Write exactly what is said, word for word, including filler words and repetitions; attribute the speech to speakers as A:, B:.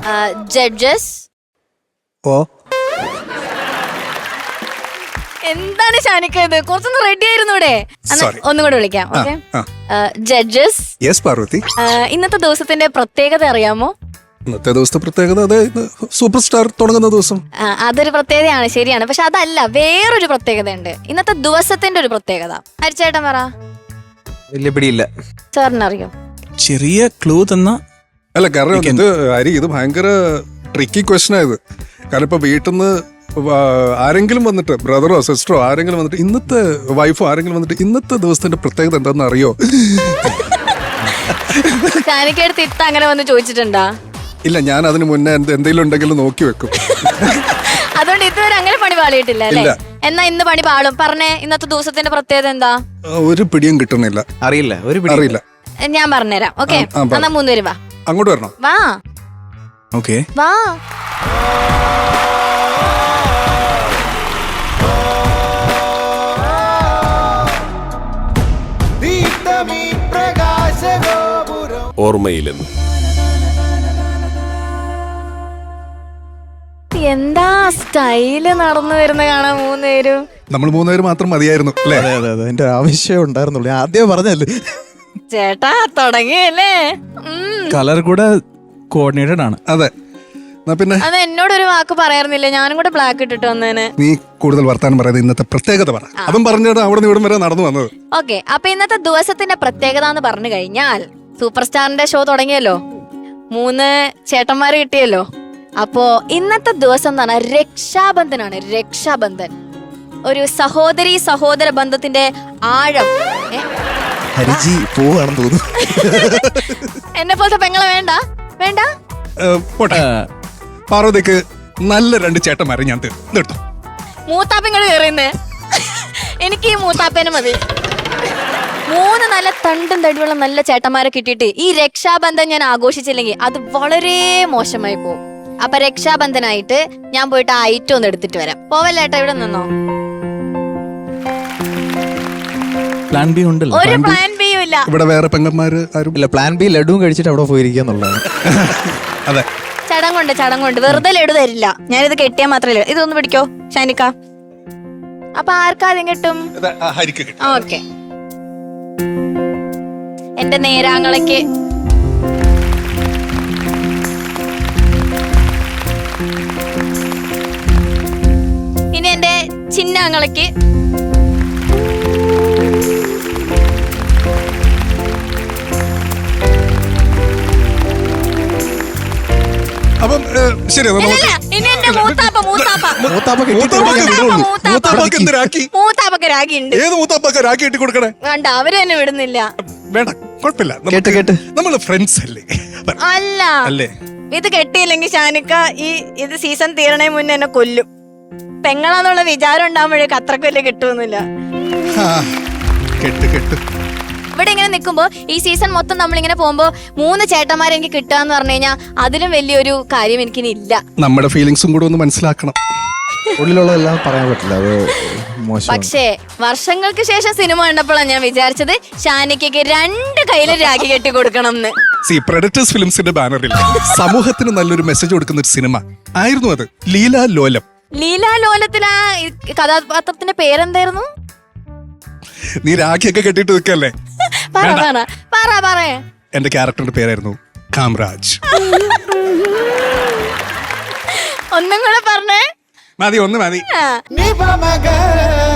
A: Judges.
B: ഓ
A: എന്താണ് ഷാനിക്ക ഇത്? കുറച്ചൊന്ന് റെഡി ആയിരുന്നു ഇവിടെ. ഒന്നും കൂടെ വിളിക്കാം. ഓക്കെ. ജഡ്ജസ്.
B: യെസ് പാർവതി.
A: ഇന്നത്തെ ദിവസത്തിന്റെ പ്രത്യേകത അറിയാമോ?
B: ഇന്നത്തെ ദിവസത്തെ പ്രത്യേകത അതെ സൂപ്പർ സ്റ്റാർ തുടങ്ങുന്ന ദിവസം.
A: അതൊരു പ്രത്യേകതയാണ്, ശരിയാണ്. പക്ഷെ അതല്ല, വേറൊരു പ്രത്യേകത ഉണ്ട്. ഇന്നത്തെ ദിവസത്തിന്റെ ഒരു പ്രത്യേകത ഹരിച്ചേട്ടൻ പറ.
C: വലിയ പിടിയില്ല.
A: സാറിനറിയോ?
D: ചെറിയ ക്ലൂ തന്ന.
B: അല്ല കാരണം ഇത് ഹരി ഇത് ഭയങ്കര ട്രിക്കി ക്വസ്റ്റൻ ആയത്. കാരണം ഇപ്പൊ വീട്ടിൽ നിന്ന് ആരെങ്കിലും വന്നിട്ട് ബ്രദറോ സിസ്റ്ററോ ആരെങ്കിലും വന്നിട്ട് ഇന്നത്തെ വൈഫോ ആരെങ്കിലും വന്നിട്ട് ഇന്നത്തെ ദിവസത്തിന്റെ പ്രത്യേകത എന്താണെന്ന് അറിയോ?
A: ഷാനിക്കടുത്ത് ഇത്ത അങ്ങനെ വന്ന് ചോദിച്ചിട്ടുണ്ടാ?
B: ഇല്ല, ഞാൻ അതിന് മുന്നേ എന്തെങ്കിലും ഉണ്ടെങ്കിലും നോക്കി വെക്കും.
A: അതുകൊണ്ട് ഇതുവരെ അങ്ങനെ പണി പാളിയിട്ടില്ല അല്ലേ? എന്നാ ഇന്ന് പണി പാളും. പറഞ്ഞേ, ഇന്നത്തെ ദിവസത്തിന്റെ പ്രത്യേകത എന്താ?
B: ഒരു പിടിയും കിട്ടണില്ല.
C: അറിയില്ല, ഒരു
B: അറിയില്ല.
A: ഞാൻ പറഞ്ഞുതരാം. ഓക്കെ, എന്നാ മൂന്നുപേര് വാ.
B: അങ്ങോട്ട് വരണം.
A: വാ.
D: ഓക്കെ,
A: വാ.
E: ഓർമ്മയിലെന്ന്.
A: എന്താ സ്റ്റൈല് നടന്നു വരുന്ന കാണാൻ മൂന്നുപേരും.
B: നമ്മൾ മൂന്നുപേര് മാത്രം മതിയായിരുന്നു അല്ലേ?
D: അതെ അതെ അതെ, എന്റെ ആവശ്യം ഉണ്ടായിരുന്നുള്ളൂ. ആദ്യം പറഞ്ഞല്ലേ
A: ചേട്ടാ, തുടങ്ങിയല്ലേ?
D: കളർ കൂടെ കോർഡിനേറ്റഡ് ആണ്.
B: അതെ. പിന്നെ
A: അത് എന്നോടൊരു വാക്ക് പറയാറുന്നില്ല, ഞാനും കൂടെ ബ്ലാക്ക് ഇട്ടിട്ട് വന്നേനെ.
B: നീ കൂടുതൽ വർത്താനം പറയുന്നത് ഇന്നത്തെ പ്രത്യേകത പറ. അതും പറഞ്ഞിട്ട് അവിടെ നിന്ന് ഇവിടം വരെ നടന്നു വന്നത്.
A: ഓക്കെ, അപ്പൊ ഇന്നത്തെ ദിവസത്തിന്റെ പ്രത്യേകത എന്ന് പറഞ്ഞു കഴിഞ്ഞാൽ സൂപ്പർ സ്റ്റാറിന്റെ ഷോ തുടങ്ങിയല്ലോ, മൂന്ന് ചേട്ടന്മാര് കിട്ടിയല്ലോ. അപ്പോ ഇന്നത്തെ ദിവസം എന്താണ്? രക്ഷാബന്ധനാണ്. രക്ഷാബന്ധൻ ഒരു സഹോദരി സഹോദര ബന്ധത്തിന്റെ ആഴം.
D: ഹരിജി പോവാണെന്ന് തോന്നുന്നു.
A: എന്നെ പോലത്തെ പെങ്ങളെ വേണ്ട വേണ്ട.
B: പാർവതിക്ക് നല്ല രണ്ട് ചേട്ടന്മാരെ ഞാൻ തീർത്തു.
A: മൂത്താപ്പങ്ങൾ കയറിയുന്നേ. എനിക്ക് ഈ മൂത്താപ്പേനെ മതി. മൂന്ന് നല്ല തണ്ടും തടിയുള്ള നല്ല ചേട്ടന്മാരെ കിട്ടിയിട്ട് ഈ രക്ഷാബന്ധൻ ഞാൻ ആഘോഷിച്ചില്ലെങ്കിൽ അത് വളരെ മോശമായി പോകും. അപ്പൊ രക്ഷാബന്ധനായിട്ട് ഞാൻ പോയിട്ട് ആ ഐറ്റം ഒന്ന് എടുത്തിട്ട് വരാം. പോവല്ലേട്ടാ, ഇവിടെ നിന്നോ.
D: പ്ലാൻ ബി ഉണ്ടല്ലോ.
A: ഒരു പ്ലാൻ ബിയും ഇല്ല.
B: ഇവിടെ വേറെ പെങ്ങന്മാര് ആരും
D: ഇല്ല. പ്ലാൻ ബി ലഡുവും കഴിച്ചിട്ട് അവിടെ പോയിരിക്കാന്നുള്ളതാണ്.
B: അതെ,
A: ചടങ്ങുണ്ട് ചടങ്ങുണ്ട്. വെറുതെ ലഡു തരില്ല. ഞാനിത് കെട്ടിയാൽ മാത്രമല്ല. ഇതൊന്ന് പിടിക്കോ ഷാനിക്ക. അപ്പൊ ആർക്കാദ്യം കിട്ടും? ഓക്കെ, എന്റെ നേരാങ്ങളയ്ക്ക്. ഇനി എന്റെ ചിന്നാങ്ങളയ്ക്ക്.
B: അപ്പം ശരി,
A: ഇനി എന്റെ മൂത്താപ്പ മൂത്താപ്പ മൂത്താപ്പക്ക് രാഗി ഉണ്ട്.
B: ഏത് മൂത്താപ്പൊക്കെ രാഖി കെട്ടി കൊടുക്കണേ?
A: വേണ്ട, അവര് തന്നെ വിടുന്നില്ല.
B: വേണ്ട, കുഴപ്പമില്ല.
D: കേട്ട് കേട്ട്
B: നമ്മള് ഫ്രണ്ട്സ് അല്ലേ?
A: അല്ല
B: അല്ലേ?
A: ഇത് കെട്ടിയില്ലെങ്കിൽ ഷാനിക്ക ഈ ഇത് സീസൺ തീരണേ മുന്നേ എന്നെ കൊല്ലും. പെങ്ങളാന്നുള്ള വിചാരം ഉണ്ടാകുമ്പോഴേക്ക് അത്രക്ക് വലിയ കിട്ടുമൊന്നുമില്ല.
B: കെട്ട് കെട്ട്.
A: ഇവിടെ ഇങ്ങനെ നിൽക്കുമ്പോ ഈ സീസൺ മൊത്തം നമ്മളിങ്ങനെ പോകുമ്പോ മൂന്ന് ചേട്ടന്മാരെ എനിക്ക് കിട്ടുക എന്ന് പറഞ്ഞു കഴിഞ്ഞാൽ അതിലും വലിയൊരു കാര്യം എനിക്കിനി ഇല്ല.
B: നമ്മുടെ ഫീലിങ്സും കൂടെ ഒന്ന് മനസ്സിലാക്കണം.
D: ഉള്ളിലുള്ളതെല്ലാം പറയാൻ പറ്റില്ല, അത് മോശം.
A: പക്ഷേ വർഷങ്ങൾക്ക് ശേഷം സിനിമ കണ്ടപ്പോഴാണ് ഞാൻ വിചാരിച്ചത് ഷാനിക്കയ്ക്ക് രണ്ട് കയ്യിലും രാഖി കെട്ടി കൊടുക്കണം എന്ന്.
B: സി പ്രൊഡക്ടേഴ്സ് ഫിലിംസിന്റെ ബാനറിൽ സമൂഹത്തിന് നല്ലൊരു മെസ്സേജ് കൊടുക്കുന്ന ഒരു സിനിമ ആയിരുന്നു അത്. ലീലാ ലോലം.
A: ലീലാ ലോലത്തിലാ കഥാപാത്രത്തിന്റെ പേരെന്തായിരുന്നു?
B: നീ രാഖിയൊക്കെ കെട്ടിട്ട് നിൽക്കല്ലേ? എന്റെ ക്യാരക്ടറിന്റെ പേരായിരുന്നു കാംരാജ്.
A: ഒന്നും കൂടെ പറഞ്ഞേ.
B: മതി, ഒന്ന് മതി.